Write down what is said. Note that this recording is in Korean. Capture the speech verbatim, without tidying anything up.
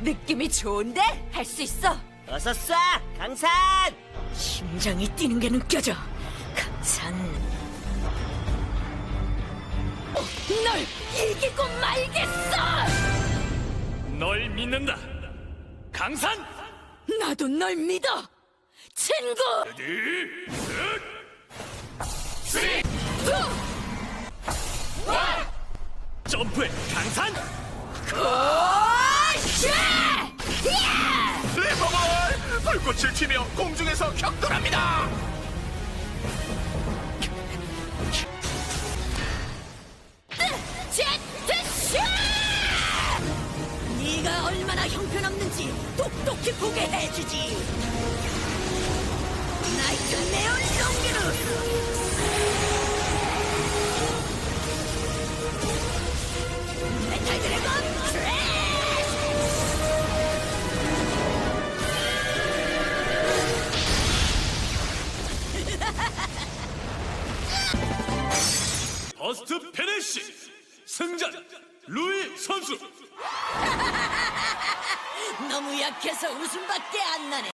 느낌이 좋은데? 할 수 있어. 어서 쏴, 강산! 심장이 뛰는 게 느껴져. 강산. 널 이기고 말겠어! 널 믿는다. 강산! 나도 널 믿어! 친구! 점프해, 강산! 오샤! 리버볼! 불꽃을 튀며 공중에서 격돌합니다! 제트샷! 네가 얼마나 형편없는지 똑똑히 보게 해주지. 나이트 네온 롱기루. 메탈 드래곤 트래쉬! 버스트 페네시! 승자 루이 선수! 너무 약해서 웃음밖에 안 나네.